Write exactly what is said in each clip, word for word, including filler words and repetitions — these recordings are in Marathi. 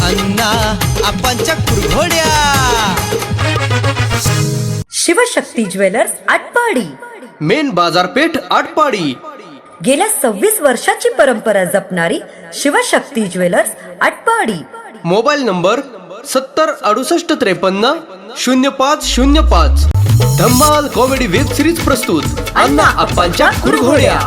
अण्णा आपांच्या कुरघोड्या. शिवशक्ती ज्वेलर्स आटपाडी, मेन बाजारपेठ आटपाडी. गेल्या सव्वीस वर्षाची परंपरा जपणारी Shivshakti jewellers Atpadi. Mobile number सत्तर अडुसष्ट त्रेपन्न शून्य पाच शून्य पाच. धम्माल कॉमेडी वेब सिरीज प्रस्तुत अण्णा आपांच्या कुरघोड्या.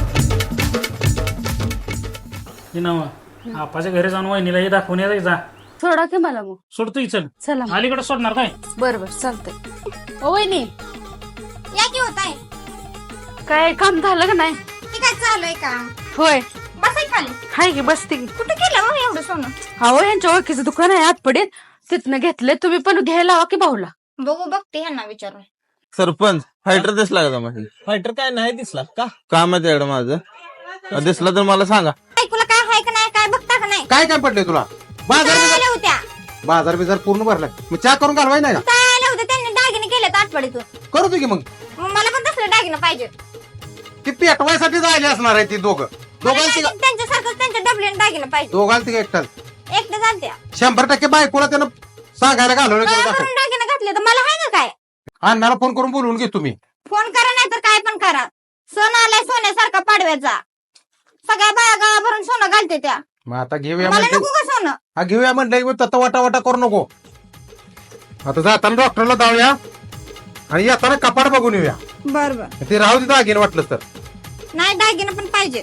आपाच्या घरी जाऊन वहिनीला हे दाखवून यायचं जा. सोडा की मला मग. सोडतो चल. चला अलीकडे सोडणार काय? बरोबर चालतंय. ओ वहिनी या की होत आहे. काय काम झालं का नाही? हे काय चालू आहे का? होय बसाय खाली. हाय की बसते की. कुठे केलं मग एवढं सोनं? अहो यांच्या ओळखीचं दुकान आहे आतपडीत, तिथनं घेतले. तुम्ही पण घ्यायला हवा की भाऊला. बघू बघते ह्यांना विचारून. सरपंच फायटर दिसला का तुम्हाला? फायटर काय नाही दिसला का? काम आहे त्याकडे माझं, दिसला तर मला सांगा. ऐकूला काय आहे का नाही, काय बघता का नाही? काय काय पडलंय तुला? बाजार काय बिजार- आल्या होत्या? बाजार बिजार पूर्ण भरलाय. मग चहा करून घालवाय नाही का? काय आल्या होत्या? त्यांनी दागिने केले आठवडीतून. करू दे की मग. मग मला पण तसले दागिने पाहिजे. ती पेटवायसाठी जायला असणार आहे ती दोघं मला दोघांची दागिने त्यांच्यासारखं त्यांच्या डबलीने दागिने पाहिजे. दोघांची एकटाच एकटे चालत्या. शंभर टक्के बायकोला त्यानं सांगायला घालवलं काय तेवढं करून दाखव. दागिने घातले तर मला आहे ना काय? अण्णाला फोन करून बोलवून घे तुम्ही. फोन करा नाही तर काय पण करा. सोनं आलाय सोन्यासारखा पाडव्याचा. सगळ्या बाया गावाभरून सोनं घालते त्या. मग आता घेऊया मला म्हणते नको का सोनं? हा घेऊया म्हणलं तत्ता वाटा वाटा करू नको. आता जाताना डॉक्टरला जाऊया आणि येताना कपाट बघून येऊया. बर बर. ते राहू दे दागिने वाटलं तर. नाही दागिने पण पाहिजे.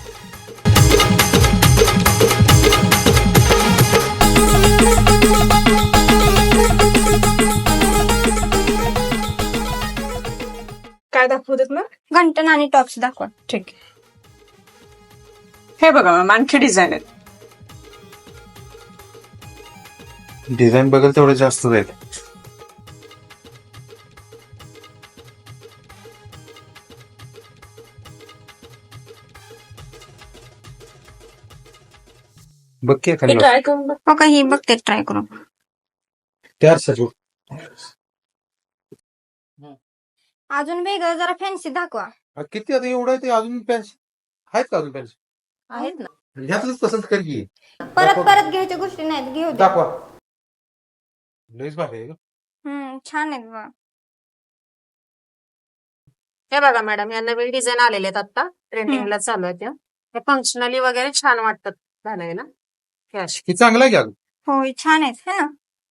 काय दाखवू देत मग? घंटन आणि टॉप्स दाखवा. ठीक आहे. हे बघा मॅम आणखी डिझाईन आहेत. डिझाईन बघेल तेवढे जास्त जाईल. बघ की एखादी ट्राय करून बघ. हो का, ही बघते ट्राय करून. तयार सजू. अजून वेगळं जरा फॅन्सी दाखवा. किती आता एवढं आहे ते अजून पेन्सिल आहेत का? अजून पेन्सिल आहेत ना. ह्यातलंच पसंत कर की. परत परत घ्यायच्या गोष्टी नाहीत, घेऊ दे. दाखवा. लईच भारी आहे ग. हम्म छान आहेत बा. हे बघा मॅडम, या नवीन डिझाईन आलेले आहेत आता ट्रेंडिंगला चालू आहेत. या फंक्शनली वगैरे छान वाटतात घालायला. हे अशी. हे चांगलं आहे की अगं? होय छान आहेत है ना.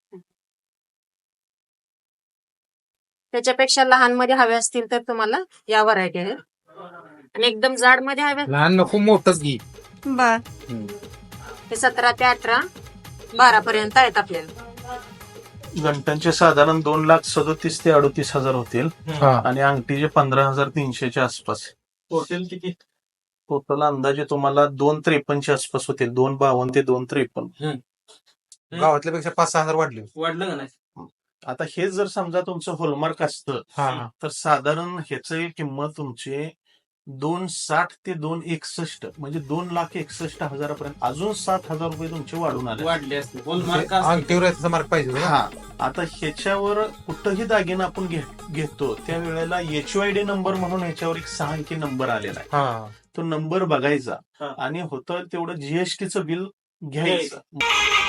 त्याच्यापेक्षा लहान मध्ये हवे असतील तर तुम्हाला या व्हरायटी आहेत. आणि एकदम जाड मध्ये हवे लहान नको मोठंच घे. बर. ते सतरा ते अठरा बारा पर्यंत आहेत आपल्याला. घंटांचे साधारण दोन लाख सदोतीस ते अडोतीस हजार होतील आणि अंगठीचे पंधरा हजार तीनशेच्या आसपास. टोटल किती? टोटल अंदाजे तुम्हाला दोन त्रेपन्नच्या आसपास होतील. दोन बावन्न ते दोन त्रेपन्न. गावातल्या पेक्षा पाच सहा हजार वाढले. वाढलं का नाही? आता हे जर समजा तुमचं होलमार्क असतं तर साधारण ह्याची किंमत तुमची दोन साठ ते दोन एकसष्ट म्हणजे दोन लाख एकसष्ट हजारापर्यंत अजून सात हजार रुपये तुमचे वाढून आले. वाढले असते. अंगठीवर याचा मार्क पाहिजे. हा, आता ह्याच्यावर कुठंही दागिना आपण घे- घेतो त्यावेळेला एचओआयडी नंबर म्हणून ह्याच्यावर एक सहा अंकी नंबर आलेला आहे. हा तो नंबर बघायचा आणि होतं तेवढं जीएसटीचं बिल घ्यायचं.